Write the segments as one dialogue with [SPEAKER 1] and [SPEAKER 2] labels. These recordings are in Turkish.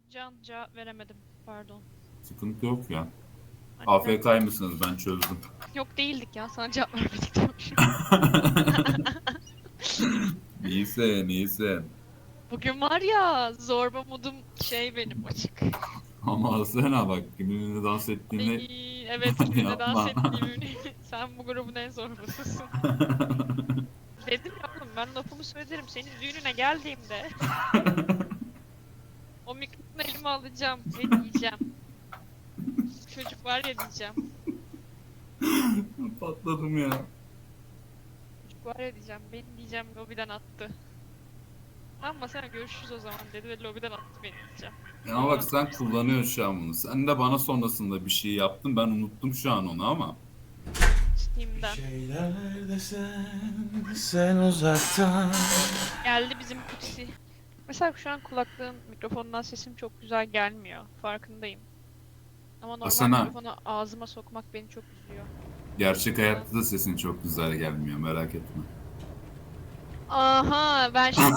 [SPEAKER 1] Can cevap veremedim. Pardon.
[SPEAKER 2] Sıkıntı yok ya.
[SPEAKER 1] Hani
[SPEAKER 2] AFK mısınız? Ben çözdüm.
[SPEAKER 1] Yok değildik ya. Sana cevap vermedik diyormuşum.
[SPEAKER 2] İyisin, iyisin.
[SPEAKER 1] Bugün var ya zorba modum benim açık.
[SPEAKER 2] Ama Asena bak kiminle dans ettiğini
[SPEAKER 1] Ay, evet kiminle dans
[SPEAKER 2] yapma.
[SPEAKER 1] ettiğimi sen bu grubun en zorbasısın. Dedim ya oğlum ben lafımı söylerim senin düğününe geldiğimde o mikrofonu elime alacağım ve diyeceğim. Çocuk var ya diyeceğim.
[SPEAKER 2] Patladım ya.
[SPEAKER 1] Çocuk var ya diyeceğim. Beni diyeceğim lobiden attı. Ama sen görüşürüz o zaman dedi ve lobiden attı beni diyeceğim.
[SPEAKER 2] Ya bak sen kullanıyorsun şu an bunu. Sen de bana sonrasında bir şey yaptın. Ben unuttum şu an onu ama.
[SPEAKER 1] Steam'den.
[SPEAKER 3] Şeyler sen uzaktan.
[SPEAKER 1] Geldi bizim kutsi. Mesela şu an kulaklığın mikrofonundan sesim çok güzel gelmiyor. Farkındayım. Ama normal
[SPEAKER 2] Asena.
[SPEAKER 1] mikrofonu ağzıma sokmak beni çok üzüyor.
[SPEAKER 2] Gerçek hayatta da sesin çok güzel gelmiyor. Merak etme.
[SPEAKER 1] Aha ben şimdi...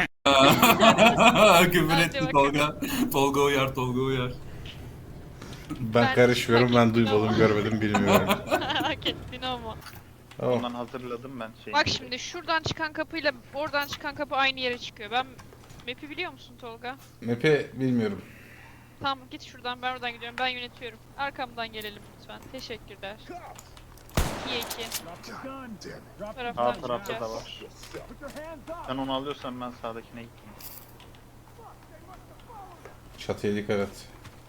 [SPEAKER 2] Küfür
[SPEAKER 1] Hadi
[SPEAKER 2] etti
[SPEAKER 1] bakalım.
[SPEAKER 2] Tolga. Tolga uyar, Tolga uyar.
[SPEAKER 3] Ben karışmıyorum, ben duymadım, görmedim, bilmiyorum.
[SPEAKER 1] Hak ettin ama.
[SPEAKER 3] Tamam.
[SPEAKER 4] Ondan hazırladım ben şeyi.
[SPEAKER 1] Bak şimdi şuradan çıkan kapıyla oradan çıkan kapı aynı yere çıkıyor. Ben map'i biliyor musun Tolga?
[SPEAKER 3] Map'i bilmiyorum.
[SPEAKER 1] Tamam git şuradan ben oradan gidiyorum. Ben yönetiyorum. Arkamdan gelelim lütfen. Teşekkürler. 2'ye 2.
[SPEAKER 4] Sağ
[SPEAKER 1] Taraftan
[SPEAKER 4] tarafta da
[SPEAKER 1] çıkacağız.
[SPEAKER 4] var. Sen onu alıyorsan ben sağdakine gideyim.
[SPEAKER 3] Çatıya dikkat et.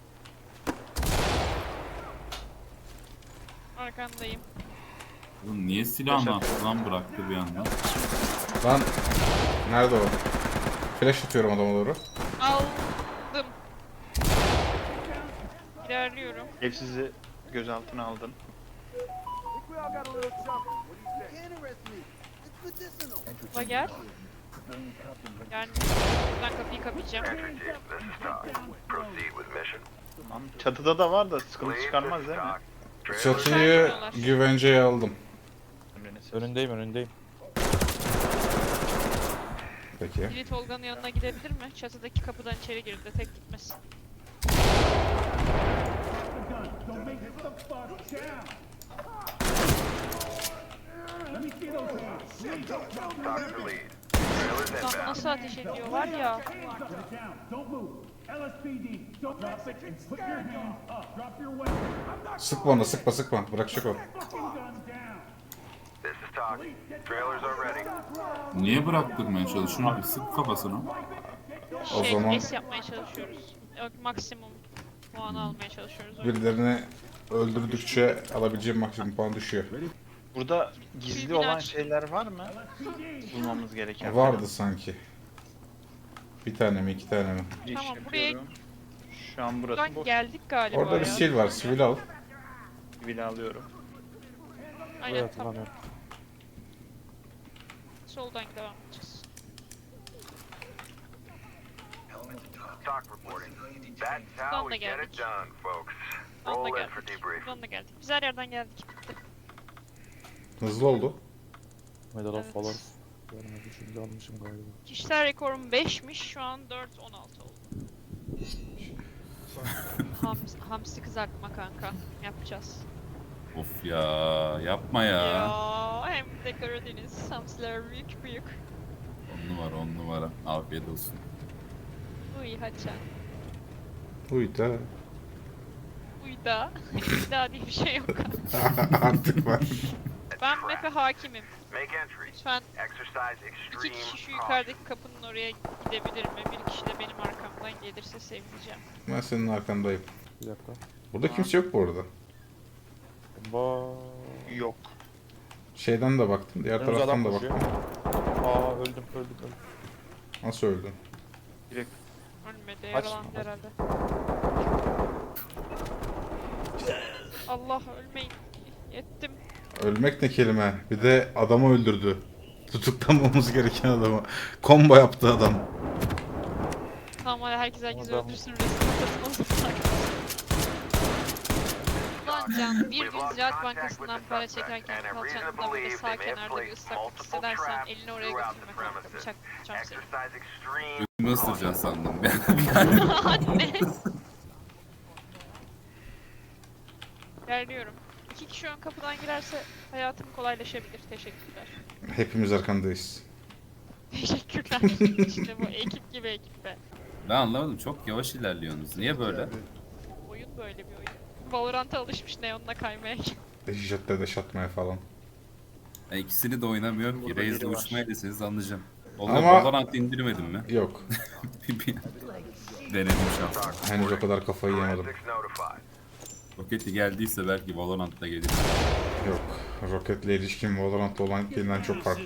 [SPEAKER 1] Arkandayım.
[SPEAKER 2] Oğlum niye silahını falan bıraktı bir anda?
[SPEAKER 3] Lan nerede o? Flash atıyorum adama doğru.
[SPEAKER 1] Aldım. İlerliyorum.
[SPEAKER 4] Evsizi gözaltına aldın.
[SPEAKER 1] Bak gel. Yani buradan kapıyı kapayacağım.
[SPEAKER 4] Tamam. Çatıda da var da sıkıntı çıkarmaz değil mi?
[SPEAKER 3] Çatıyı güvenceye aldım.
[SPEAKER 4] Emriniz.
[SPEAKER 5] Önündeyim.
[SPEAKER 3] Peki.
[SPEAKER 1] Biri Tolga'nın yanına gidebilir mi? Çatıdaki kapıdan içeri girdi. Tek gitmesin. Lan nasıl ateş ediyor var ya.
[SPEAKER 3] Sıkma onu, sıkma. Bırakacak o.
[SPEAKER 2] Niye bıraktırmaya çalışıyorsun? Bir sık kafasına.
[SPEAKER 3] O zaman-
[SPEAKER 1] S yapmaya çalışıyoruz. Yok, maksimum puan almaya çalışıyoruz.
[SPEAKER 3] Birilerini öldürdükçe alabileceğim maksimum puan düşüyor.
[SPEAKER 4] Burada gizli
[SPEAKER 1] Tribün
[SPEAKER 4] olan
[SPEAKER 1] aç.
[SPEAKER 4] şeyler var mı? Bulmamız gereken.
[SPEAKER 3] Vardı sanki. Bir tane mi, iki tane mi?
[SPEAKER 4] Bir iş
[SPEAKER 1] Tamam, buraya-
[SPEAKER 4] yapıyorum. Şu an burası
[SPEAKER 1] Buradan
[SPEAKER 4] boş.
[SPEAKER 1] geldik galiba
[SPEAKER 3] Orada bir
[SPEAKER 1] ya.
[SPEAKER 3] sil var, sivil al.
[SPEAKER 4] Sivil alıyorum.
[SPEAKER 1] Aynen
[SPEAKER 5] Evet,
[SPEAKER 1] tamam.
[SPEAKER 5] tamam.
[SPEAKER 1] Soldan devam edeceğiz.
[SPEAKER 6] Buradan
[SPEAKER 1] da geldik. Buradan da geldik. Buradan da geldik. Biz her yerden geldik. Bitti.
[SPEAKER 3] Hızlı oldu.
[SPEAKER 5] Medal
[SPEAKER 1] Evet.
[SPEAKER 5] of Valor. Görmedim, şimdi almışım galiba.
[SPEAKER 1] Kişisel rekorum 5'miş. Şu an 4-16 oldu. Hamsi kızartma kanka. Yapacağız.
[SPEAKER 2] Of ya yapma ya.
[SPEAKER 1] Ya hem de Karadeniz. Hamsiler büyük büyük.
[SPEAKER 2] 10 numara. Afiyet olsun.
[SPEAKER 1] Uy haça.
[SPEAKER 3] Uyda.
[SPEAKER 1] Uyda. Uyda diye bir şey yok.
[SPEAKER 3] Artık var.
[SPEAKER 1] Ben map'e hakimim. Lütfen iki kişi şu yukarıdaki kapının oraya gidebilir mi? Bir kişi de benim arkamdan gelirse sevineceğim.
[SPEAKER 3] Ben senin arkandayım.
[SPEAKER 5] Bir dakika.
[SPEAKER 3] Burada kimse yok bu arada.
[SPEAKER 5] Bomba.
[SPEAKER 4] Yok.
[SPEAKER 3] Şeyden de baktım, diğer
[SPEAKER 5] Önümüze
[SPEAKER 3] taraftan da
[SPEAKER 5] adam koşuyor.
[SPEAKER 3] baktım.
[SPEAKER 5] Aa öldüm.
[SPEAKER 3] Nasıl öldün?
[SPEAKER 4] Direkt
[SPEAKER 1] Ölmedi,
[SPEAKER 5] Aç.
[SPEAKER 1] yaralandı herhalde. Allah ölmeyin. Yettim.
[SPEAKER 3] Ölmek ne kelime? Bir de adamı öldürdü. Tutuklanmamız gereken adamı. Combo yaptı adam.
[SPEAKER 1] Tamam hadi herkes
[SPEAKER 5] Adam-
[SPEAKER 1] öldürsün resmen katılmasın. Ulan Can bir gün Ziraat Bankası'ndan para çekerken kalçanda böyle sağ kenarda bir ıslaklık hissedersen elini oraya götürme kanka. Bıçak tutacağım seni.
[SPEAKER 2] ısıracaksın sandım.
[SPEAKER 1] Anne. İlerliyorum. 2 kişi ön kapıdan girerse hayatım kolaylaşabilir. Teşekkürler.
[SPEAKER 3] Hepimiz arkandayız.
[SPEAKER 1] Teşekkürler. İşte bu ekip gibi ekip be.
[SPEAKER 2] Ben anlamadım. Çok yavaş ilerliyorsunuz. Niye böyle?
[SPEAKER 1] Oyun böyle bir oyun. Valorant'a alışmış Neon'la kaymaya.
[SPEAKER 3] Jetle de şatmaya falan.
[SPEAKER 2] Ya ikisini de oynamıyorum ki.
[SPEAKER 4] Burada
[SPEAKER 2] Raze'de
[SPEAKER 4] biri var.
[SPEAKER 2] uçmayı deseniz anlayacağım.
[SPEAKER 3] Ama-
[SPEAKER 2] Ama... Valorant indirmedin mi?
[SPEAKER 3] Yok.
[SPEAKER 2] Bir Denedim şans.
[SPEAKER 3] Henüz o kadar kafayı yemedim.
[SPEAKER 6] Forensics notified.
[SPEAKER 2] Roketi geldiyse belki Valorant'ta gelir.
[SPEAKER 3] Yok. Rocket'le ilişkim Valorant'ta olan ilişkimden çok farklı.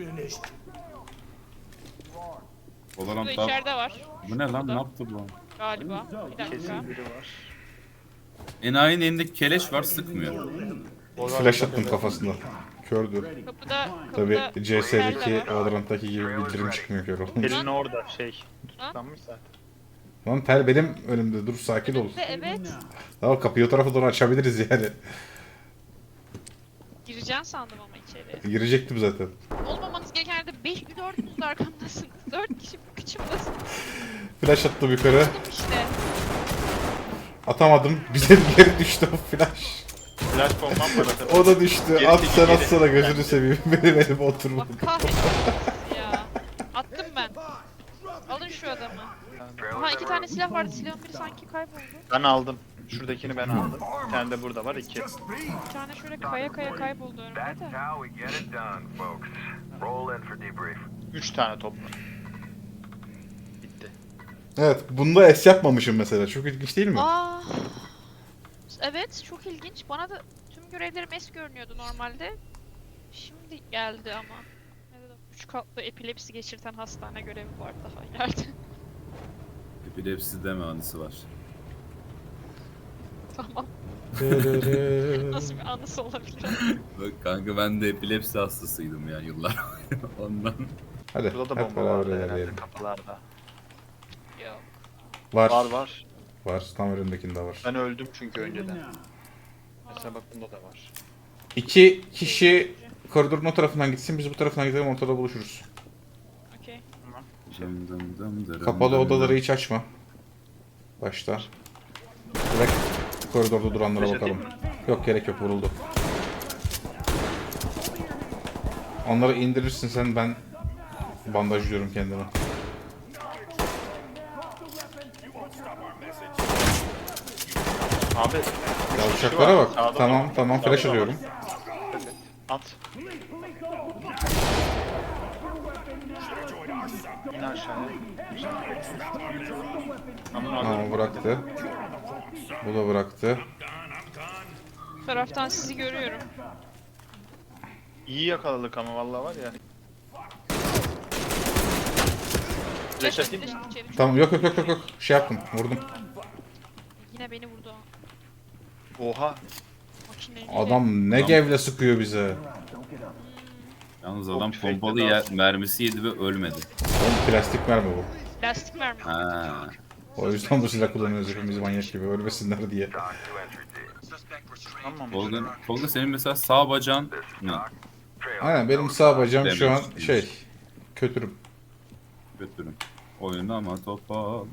[SPEAKER 1] Burada
[SPEAKER 2] Valorant'ta...
[SPEAKER 1] içeride var.
[SPEAKER 2] Bu ne lan? Ne yaptı bu?
[SPEAKER 1] Galiba. Bir dakika.
[SPEAKER 4] Kesin biri var.
[SPEAKER 2] Enayi'nin elinde keleş var, sıkmıyor.
[SPEAKER 3] Flash attım kafasına. Kördü.
[SPEAKER 1] Kapıda
[SPEAKER 3] Tabi
[SPEAKER 1] içeride
[SPEAKER 3] CS'deki
[SPEAKER 1] var.
[SPEAKER 3] Valorant'taki gibi bildirim çıkmıyor kör olunca.
[SPEAKER 4] Elin orada tutuklanmış zaten.
[SPEAKER 3] Lan Tel benim önümde, dur sakin ol.
[SPEAKER 1] Evet.
[SPEAKER 3] Tamam, kapıyı o tarafa doğru açabiliriz yani.
[SPEAKER 1] Gireceğim sandım ama içeri.
[SPEAKER 3] Girecektim zaten.
[SPEAKER 1] Olmamanız gereken yerde 4'ünüz de arkamdasınız. 4 kişi kıçımdasınız.
[SPEAKER 3] Flash attım yukarı.
[SPEAKER 1] Buldum işte.
[SPEAKER 3] Atamadım. Bize geri düştü o flash.
[SPEAKER 4] Flash bombam var zaten.
[SPEAKER 3] O da düştü.
[SPEAKER 4] Geri
[SPEAKER 3] At
[SPEAKER 4] çekil,
[SPEAKER 3] sen
[SPEAKER 4] geri.
[SPEAKER 3] atsana, gözünü seveyim. Benim elim
[SPEAKER 1] Allah
[SPEAKER 3] oturmadı.
[SPEAKER 1] kahretsin ya. Attım ben. Alın şu adamı. Aha 2 tane silah vardı. Silahın biri sanki kayboldu.
[SPEAKER 4] Ben aldım. Şuradakini ben aldım. Bir tane de burada var 2.
[SPEAKER 1] Bir tane şöyle kaya kayboldu önümde
[SPEAKER 6] That's
[SPEAKER 1] de.
[SPEAKER 6] how we get it done, folks. Roll in for debrief.
[SPEAKER 4] 3 tane toplu. Bitti.
[SPEAKER 3] Evet, bunda S yapmamışım mesela. Çok ilginç değil mi?
[SPEAKER 1] Aa. Evet çok ilginç. Bana da tüm görevlerim es görünüyordu normalde. Şimdi geldi ama. 3 katlı epilepsi geçirten hastane görevi var daha ileride.
[SPEAKER 2] Epilepsi deme anısı var.
[SPEAKER 1] Tamam. Nasıl bir anısı olabilir?
[SPEAKER 2] Bak kanka, ben de epilepsi hastasıydım ya yıllar ondan.
[SPEAKER 3] Hadi
[SPEAKER 4] Burada da
[SPEAKER 3] hep
[SPEAKER 4] bomba
[SPEAKER 3] beraber
[SPEAKER 4] vardı herhalde
[SPEAKER 3] ilerleyelim.
[SPEAKER 4] kapılarda.
[SPEAKER 1] Yok.
[SPEAKER 3] Var.
[SPEAKER 4] Var var.
[SPEAKER 3] Var. Tam önündekinde var.
[SPEAKER 4] Ben öldüm çünkü önceden. Mesela bak bunda da var.
[SPEAKER 3] 2 kişi koridorun o tarafından gitsin. Biz bu tarafından gidelim, ortada buluşuruz.
[SPEAKER 1] Okey.
[SPEAKER 3] Kapalı odaları hiç açma. Başta. Direkt koridorda duranlara bakalım. Yok, gerek yok, vuruldu. Onları indirirsin sen, ben bandajlıyorum kendimi.
[SPEAKER 4] Abi.
[SPEAKER 3] Yavşaklara bak.
[SPEAKER 4] Sağda
[SPEAKER 3] Tamam
[SPEAKER 4] var.
[SPEAKER 3] tamam,
[SPEAKER 4] Sağda
[SPEAKER 3] flash
[SPEAKER 4] var.
[SPEAKER 3] atıyorum.
[SPEAKER 4] At. İn aşağıya.
[SPEAKER 3] Tamam, bıraktı. Bu da bıraktı.
[SPEAKER 1] Bu taraftan sizi görüyorum.
[SPEAKER 4] İyi yakaladık ama vallahi var ya. Flash atayım mı?
[SPEAKER 1] içeri.
[SPEAKER 3] Tamam, yok yok yok yok yok. Şey yaptım, vurdum.
[SPEAKER 1] Yine beni vurdu.
[SPEAKER 4] Oha.
[SPEAKER 1] Makineyle.
[SPEAKER 3] Adam ne gevle sıkıyor bize.
[SPEAKER 2] Yalnız
[SPEAKER 4] Çok
[SPEAKER 2] adam
[SPEAKER 4] tüfekle
[SPEAKER 2] pompalı mermisi yedi ve ölmedi.
[SPEAKER 3] Oğlum plastik mermi bu.
[SPEAKER 1] Plastik mermi.
[SPEAKER 2] Ha.
[SPEAKER 3] O yüzden bu silah kullanıyoruz hepimiz manyak gibi, ölmesinler diye.
[SPEAKER 6] Talk to entry team.
[SPEAKER 4] Tamam.
[SPEAKER 2] Tolga senin mesela sağ bacağın ne?
[SPEAKER 6] Trail.
[SPEAKER 3] Aynen, benim sağ bacağım şu an
[SPEAKER 2] Demek
[SPEAKER 3] şey, kötürüm.
[SPEAKER 2] Götürün. Oyunu ama topa.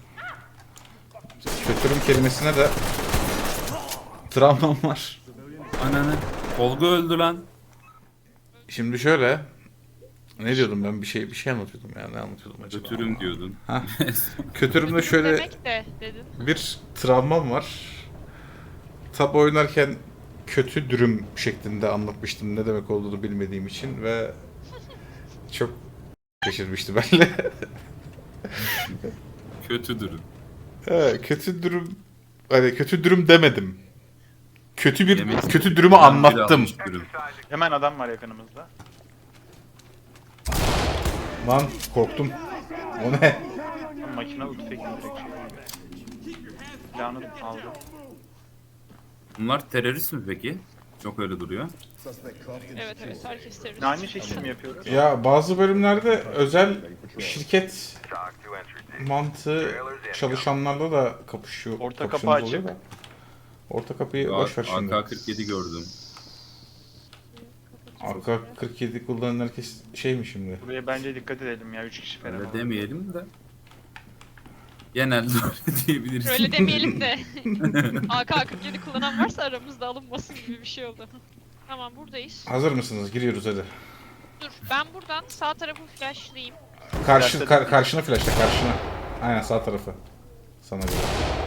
[SPEAKER 3] Kötürüm kelimesine de travmam var.
[SPEAKER 2] Ananı. Tolga öldü lan.
[SPEAKER 3] Şimdi şöyle, ne diyordum ben, bir şey anlatıyordum ya, ne anlatıyordum acaba?
[SPEAKER 2] Götürüm diyordun.
[SPEAKER 3] Kötürümde şöyle
[SPEAKER 1] Demek de dedin.
[SPEAKER 3] bir travmam var. Tab oynarken kötü dürüm şeklinde anlatmıştım, ne demek olduğunu bilmediğim için ve çok şaşırmıştı benimle.
[SPEAKER 2] Kötüdür.
[SPEAKER 3] Kötü dürüm, hani kötü dürüm demedim.
[SPEAKER 2] Yemek-
[SPEAKER 3] Kötü dürümü anlattım.
[SPEAKER 2] Dürüm.
[SPEAKER 4] Hemen adam var yakınımızda.
[SPEAKER 3] Lan korktum. O ne?
[SPEAKER 4] Makine tüfekli direkt şey. Silahını aldı.
[SPEAKER 2] Bunlar terörist mi peki? Çok öyle duruyor.
[SPEAKER 1] Evet evet herkes terörist.
[SPEAKER 4] Aynı şekilde mi yapıyoruz?
[SPEAKER 3] Ya bazı bölümlerde özel şirket
[SPEAKER 6] Talk to entry team.
[SPEAKER 3] mantığı çalışanlarla da kapışıyor.
[SPEAKER 4] Orta kapı
[SPEAKER 3] kapışıyorsunuz oluyor
[SPEAKER 4] açık.
[SPEAKER 3] da. Orta kapıyı boş ver şimdi.
[SPEAKER 2] AK-47 gördüm.
[SPEAKER 3] AK-47 kullanan herkes şey mi şimdi?
[SPEAKER 4] Buraya bence dikkat edelim ya 3 kişi falan.
[SPEAKER 2] Öyle
[SPEAKER 4] var.
[SPEAKER 2] demeyelim de. Genelde öyle diyebiliriz.
[SPEAKER 1] Öyle demeyelim de. AK-47 kullanan varsa aramızda alınmasın gibi bir şey oldu. Tamam buradayız.
[SPEAKER 3] Hazır mısınız? Giriyoruz hadi.
[SPEAKER 1] Dur ben buradan sağ tarafı flashlayayım.
[SPEAKER 3] Karşına flashla karşına. Aynen sağ tarafı. Sana göre.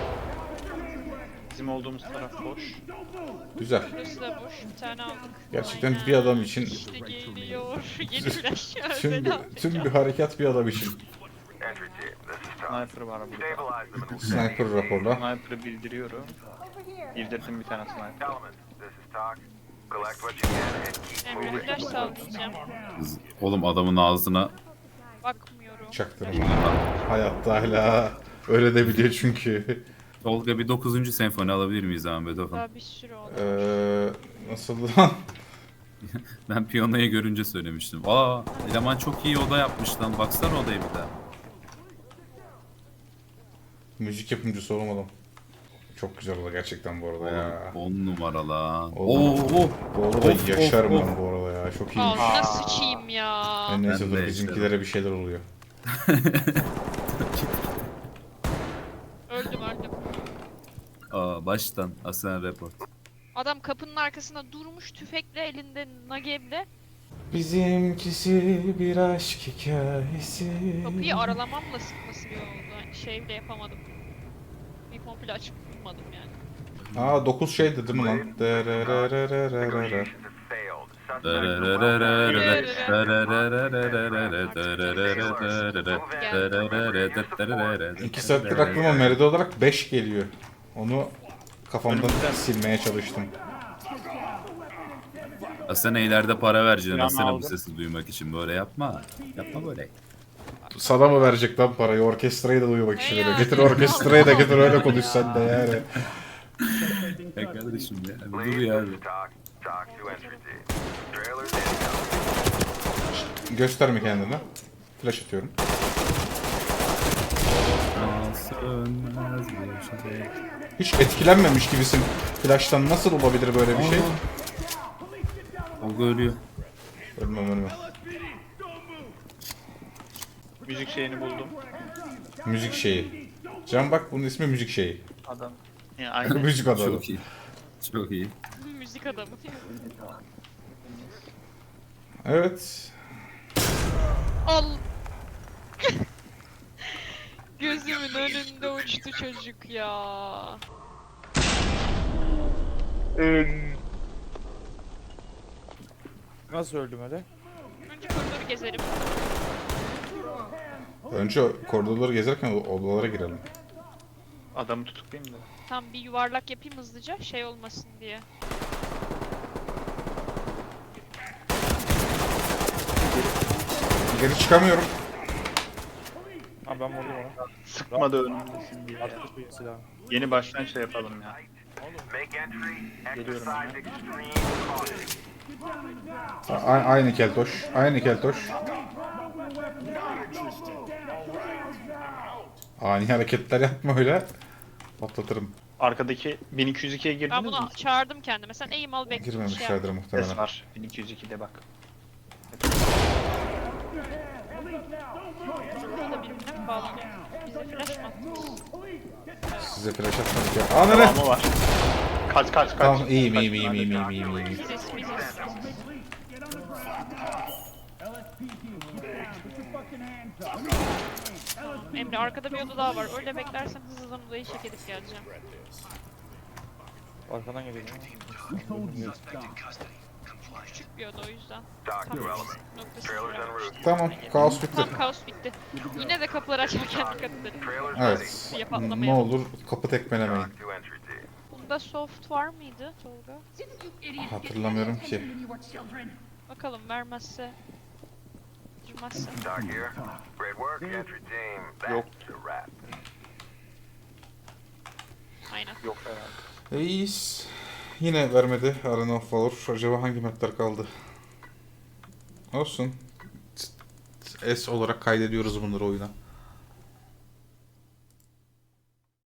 [SPEAKER 4] Bizim olduğumuz taraf boş.
[SPEAKER 3] Güzel.
[SPEAKER 1] Burası da boş. Bir tane aldık.
[SPEAKER 3] Gerçekten
[SPEAKER 1] Aynen.
[SPEAKER 3] bir adam için
[SPEAKER 1] İşte geliyor. Yeni flash.
[SPEAKER 3] tüm bir harekat bir adam için.
[SPEAKER 6] Entry team, this is Tom.
[SPEAKER 4] Sniper var burada.
[SPEAKER 6] Stabilize them and we'll
[SPEAKER 3] Sniper raporla.
[SPEAKER 4] Sniper'ı bildiriyorum. Bildirdim bir tane sniper.
[SPEAKER 6] Element, this is Talk. Collect what you can and keep
[SPEAKER 1] Emre
[SPEAKER 6] moving.
[SPEAKER 1] flash sallayacağım.
[SPEAKER 2] Oğlum adamın ağzına
[SPEAKER 1] Bakmıyorum.
[SPEAKER 3] Çaktırma. Hayatta hala öyle de biliyor çünkü.
[SPEAKER 2] Tolga bir 9. senfoni alabilir miyiz abi Beethoven?
[SPEAKER 1] Daha bir sürü oldu.
[SPEAKER 3] Nasıl lan?
[SPEAKER 2] Ben piyanoyu görünce söylemiştim. Aa, eleman çok iyi oda yapmış lan. Baksana odaya bir daha.
[SPEAKER 3] Müzik yapımcısı olmadım. Çok güzel oldu gerçekten bu arada ya.
[SPEAKER 2] 10 numara lan.
[SPEAKER 3] Oğlum,
[SPEAKER 2] Oo.
[SPEAKER 3] Bu arada
[SPEAKER 2] Of,
[SPEAKER 3] yaşarım
[SPEAKER 2] of,
[SPEAKER 3] ben bu arada ya. Çok iyiymiş.
[SPEAKER 1] Ağzına sıçayım ya.
[SPEAKER 3] Neyse
[SPEAKER 2] Ben
[SPEAKER 3] dur
[SPEAKER 2] de
[SPEAKER 3] bizimkilere bir şeyler oluyor.
[SPEAKER 1] Öldüm.
[SPEAKER 2] Aa, baştan Aslan Report.
[SPEAKER 1] Adam kapının arkasında durmuş tüfekle elinde nageble.
[SPEAKER 3] Bizimkisi bir aşk hikayesi.
[SPEAKER 1] Kapıyı aralamamla sıkması bir oldu. Hani şey bile yapamadım. Bir komple açıp durmadım yani.
[SPEAKER 3] Aa 9 şeydi değil mi lan?
[SPEAKER 6] Negotiations have failed. Suspects are
[SPEAKER 3] 2 saattir aklıma Meride olarak 5 geliyor. Onu kafamdan silmeye çalıştım.
[SPEAKER 2] Aslan'a ileride para vereceksin
[SPEAKER 4] Silahını
[SPEAKER 2] Aslan'a bu
[SPEAKER 4] aldım.
[SPEAKER 2] sesi duymak için. Böyle yapma. Yapma böyle.
[SPEAKER 3] Sana mı verecek lan parayı? Orkestrayı da duymak için öyle.
[SPEAKER 1] Ya.
[SPEAKER 3] Getir orkestrayı da getir öyle konuş sen de yani.
[SPEAKER 2] Ya kardeşim ya. Bir dur
[SPEAKER 6] Lead,
[SPEAKER 2] ya.
[SPEAKER 6] this is Talk. Talk to entry team. Trailers inbound.
[SPEAKER 3] Gösterme kendini. Flash atıyorum.
[SPEAKER 2] Sönmez bir şey.
[SPEAKER 3] Hiç etkilenmemiş gibisin. Flash'tan nasıl olabilir böyle bir şey?
[SPEAKER 2] Tolga ölüyor.
[SPEAKER 3] Ölmem.
[SPEAKER 4] Müzik şeyini buldum.
[SPEAKER 3] Müzik şeyi. Can bak bunun ismi müzik şeyi.
[SPEAKER 4] Adam. Yani aynı.
[SPEAKER 3] Müzik adamı.
[SPEAKER 2] Çok iyi. Çok iyi.
[SPEAKER 1] Müzik adamı.
[SPEAKER 3] Evet.
[SPEAKER 1] Al. Gözümün önünde uçtu çocuk ya.
[SPEAKER 5] Nasıl öldüm öyle?
[SPEAKER 1] Önce koridoru gezerim.
[SPEAKER 3] Önce koridorları gezerken odalara girelim.
[SPEAKER 4] Adamı tutuklayayım da.
[SPEAKER 1] Tam bir yuvarlak yapayım hızlıca şey olmasın diye.
[SPEAKER 3] Geri çıkamıyorum.
[SPEAKER 5] Ha ben vurdum onu.
[SPEAKER 4] Sıkma da önümdesin diye.
[SPEAKER 5] Attı bu silahı.
[SPEAKER 4] Yeni baştan şey yapalım ya.
[SPEAKER 6] Make entry.
[SPEAKER 4] Geliyorum
[SPEAKER 6] Exercise
[SPEAKER 4] ya.
[SPEAKER 6] extreme caution.
[SPEAKER 3] Aynı keltoş. Aynı keltoş. Ani hareketler yapma öyle. Patlatırım.
[SPEAKER 4] Arkadaki 1202'ye
[SPEAKER 1] Ben
[SPEAKER 4] girdiniz mi?
[SPEAKER 1] bunu çağırdım kendime. Sen aim al bekle.
[SPEAKER 3] Girmemişlerdir muhtemelen.
[SPEAKER 4] Ses var. 1202'de bak.
[SPEAKER 1] Burada birbirine mi bağlanıyor? Bize flash mı attınız?
[SPEAKER 3] Size flash atmadık ya. Aa ne?
[SPEAKER 4] Devamı var. Kaç.
[SPEAKER 3] Tamam iyiyim.
[SPEAKER 1] Biziz. Emre arkada bir oda daha var. Öyle beklersen hızlıdan odayı çek edip geleceğim.
[SPEAKER 5] Arkadan geliyor.
[SPEAKER 1] Küçük bir oda o yüzden.
[SPEAKER 6] Talk to
[SPEAKER 1] Tam
[SPEAKER 6] element.
[SPEAKER 1] noktası
[SPEAKER 6] Trailers en
[SPEAKER 1] var.
[SPEAKER 6] route.
[SPEAKER 3] Tamam kaos bitti.
[SPEAKER 1] Tam kaos bitti. Yine de kapıları açarken dikkat edelim.
[SPEAKER 6] Trailers
[SPEAKER 3] Evet.
[SPEAKER 1] Bir
[SPEAKER 3] Ne
[SPEAKER 1] patlamayalım.
[SPEAKER 3] olur kapı tekmelemeyin.
[SPEAKER 6] Talk to entry team.
[SPEAKER 1] Bunda soft var mıydı Tolga?
[SPEAKER 3] Hatırlamıyorum ki.
[SPEAKER 1] Bakalım vermezse. Girmezse.
[SPEAKER 6] Talk here. Great work, entry team.
[SPEAKER 4] Yok.
[SPEAKER 6] That's a wrap.
[SPEAKER 1] Aynen.
[SPEAKER 4] Yok herhalde.
[SPEAKER 3] İyiyiz. Yine vermedi Arena of Valor. Acaba hangi mapler kaldı? Olsun. S olarak kaydediyoruz bunları oyuna.